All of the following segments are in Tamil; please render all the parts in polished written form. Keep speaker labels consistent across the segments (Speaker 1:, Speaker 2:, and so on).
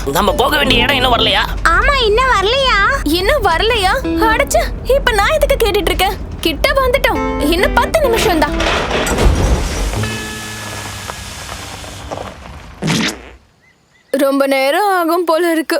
Speaker 1: நம்ம போக வேண்டிய இடம் இன்னும் வரலையா?
Speaker 2: ஆமா, இன்னும் வரலையா?
Speaker 3: இன்னும் வரலையா? அடச்சே, இப்ப நான் எதுக்கு கேட்டுட்டு இருக்கேன்? கிட்ட வந்துட்டோம். இன்னும் 10 நிமிஷம் தான். ரொம்ப நேரம் ஆகும் போல இருக்கு.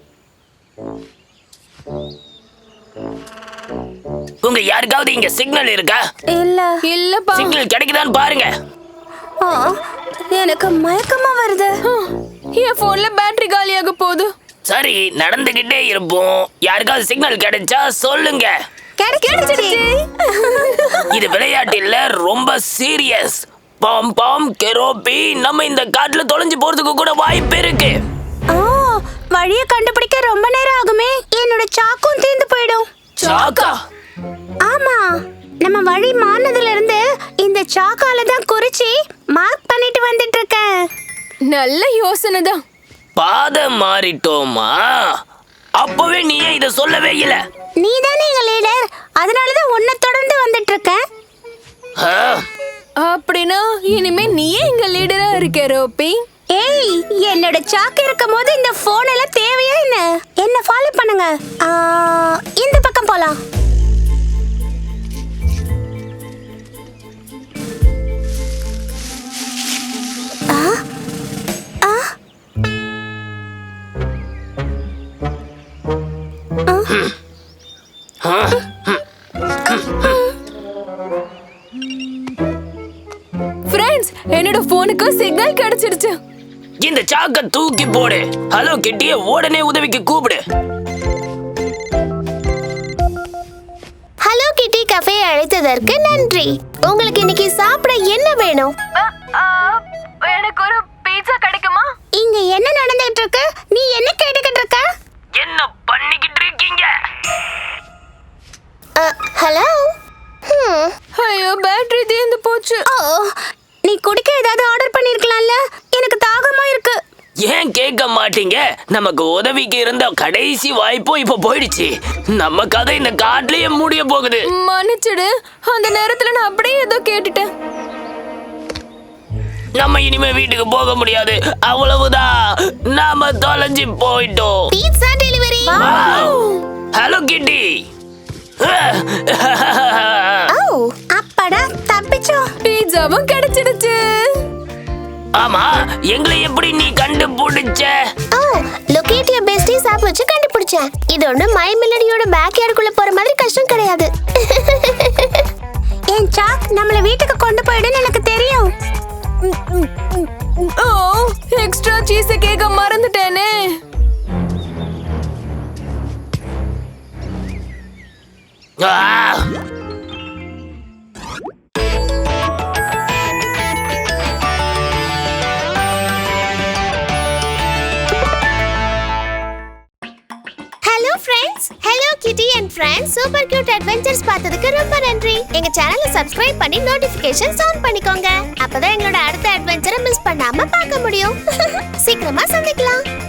Speaker 1: உங்க யாருக்காவது இங்க சிக்னல் இருக்கா?
Speaker 3: இல்லப்பா.
Speaker 1: சிக்னல் கிடைக்குதான்னு பாருங்க.
Speaker 2: எனக்கு மயக்கமா வருது.
Speaker 3: என் போன்ல பேட்டரி காலியாக போகுது.
Speaker 1: சரி, நடந்துகிட்டே இருப்போம். யாருக்காவது சிக்னல் கிடைச்சா சொல்லுங்க.
Speaker 3: கிடைச்சிடுச்சு.
Speaker 1: இது விளையாட்டு இல்ல, ரொம்ப சீரியஸ். பாம் பாம் கெரோபி, நம்ம இந்த காட்டுல தொலைஞ்சு போறதுக்கு கூட வாய்ப்பு இருக்கு.
Speaker 2: வழியை கண்டுபிடிக்க ரொம்ப நேரம் ஆகுமே. என்னோட சாக்கும் தீர்ந்து போயிடும்.
Speaker 1: சாக்கா?
Speaker 2: ஆமா, நம்ம வழி மாறினதுல இருந்து இந்த சாக்கால தான் குறிச்சி மார்க் பண்ணிட்டு வந்துட்டு இருக்கேன்.
Speaker 3: நல்ல யோசனை தான்.
Speaker 1: பாதை மாறிட்டோமா? அப்பவே நீ ஏன் இத சொல்லவே இல்ல?
Speaker 2: நீ தானே எங்க லீடர், அதனாலதான் உன்னை தொடர்ந்து வந்துட்டு இருக்கேன்.
Speaker 3: அப்படின்னா இனிமே நீயே எங்க லீடரா இருக்க ரோபி.
Speaker 2: ஏய், என்னோட சாக்கு இருக்கும் போது இந்த போன் எல்லாம் தேவையா என்ன ஃபாலோ பண்ணுங்க. இந்த பக்கம் போலாம்.
Speaker 3: ஃப்ரெண்ட்ஸ், என்னோட போனுக்கு சிக்னல் கிடைச்சிடுச்சு.
Speaker 1: இந்த சாக்க தூக்கி போடு. ஹலோ கிட்டிய உடனே உதவிக்கு கூப்பிடு.
Speaker 2: ஹலோ கிட்டி கஃபே அழைத்ததற்கு நன்றி. உங்களுக்கு இன்னைக்கு சாப்பிட என்ன வேணும்?
Speaker 3: எனக்கு ஒரு பீட்சா கிடைக்குமா?
Speaker 2: இங்க என்ன நடந்துட்டு இருக்கு? நீ என்ன கேட்டுக்கிட்டு இருக்க?
Speaker 1: என்ன பண்ணிக்கிட்டு இருக்கீங்க?
Speaker 2: ஹலோ.
Speaker 3: ஐயோ, பேட்டரி தீர்ந்து போச்சு.
Speaker 2: நீ குடிக்க ஏதாவது ஆர்டர் பண்ணிருக்கலாம்ல? எனக்கு தாகமா இருக்கு.
Speaker 1: ஏன் கேட்க மாட்டீங்க? நமக்கு உதவிக்கு இருந்த கடைசி வாய்ப்பும் இப்ப போயிடுச்சு. நம்ம கதை இந்த காட்டுலயே முடிய போகுது.
Speaker 3: மன்னிச்சிடு, அந்த நேரத்துல நான் அப்படியே ஏதோ கேட்டுட்டேன்.
Speaker 1: நம்ம இனிமே வீட்டுக்கு போக முடியாது. அவ்வளவுதான், நாம தொலைஞ்சு போயிட்டோம்.
Speaker 2: Pizza delivery.
Speaker 1: ஹலோ கிட்டி.
Speaker 2: அப்படா, தப்பிச்சோம்.
Speaker 3: பீட்சாவும் கிடைச்சிடுச்சு.
Speaker 1: ஆமா, எங்களை எப்படி நீ கண்டுபிடிச்ச?
Speaker 2: லொகேட் யுவர் பெஸ்டிஸ் ஆப் வச்சு கண்டுபிடிச்சேன். இது ஒண்ணு மை மெலடியோட பேக்யார்டுக்குள்ள போற மாதிரி கஷ்டம் கிடையாது. என் சாக் நம்மள வீட்டுக்கு கொண்டு போயிடுன்னு எனக்கு தெரியும்.
Speaker 3: எக்ஸ்ட்ரா சீஸ் கேக்க மறந்துட்டேனே.
Speaker 2: Hello friends, hello kitty and friends. Super cute adventures பார்த்ததுக்கு ரொம்ப நன்றி. எங்க சேனலை சப்ஸ்கிரைப் பண்ணி நோட்டிபிகேஷன்ஸ் ஆன் பண்ணிக்கோங்க. அப்பதான் எங்களோட அடுத்த அட்வென்ச்சரை மிஸ் பண்ணாம பார்க்க முடியும். சீக்கிரமா சந்திக்கலாம்.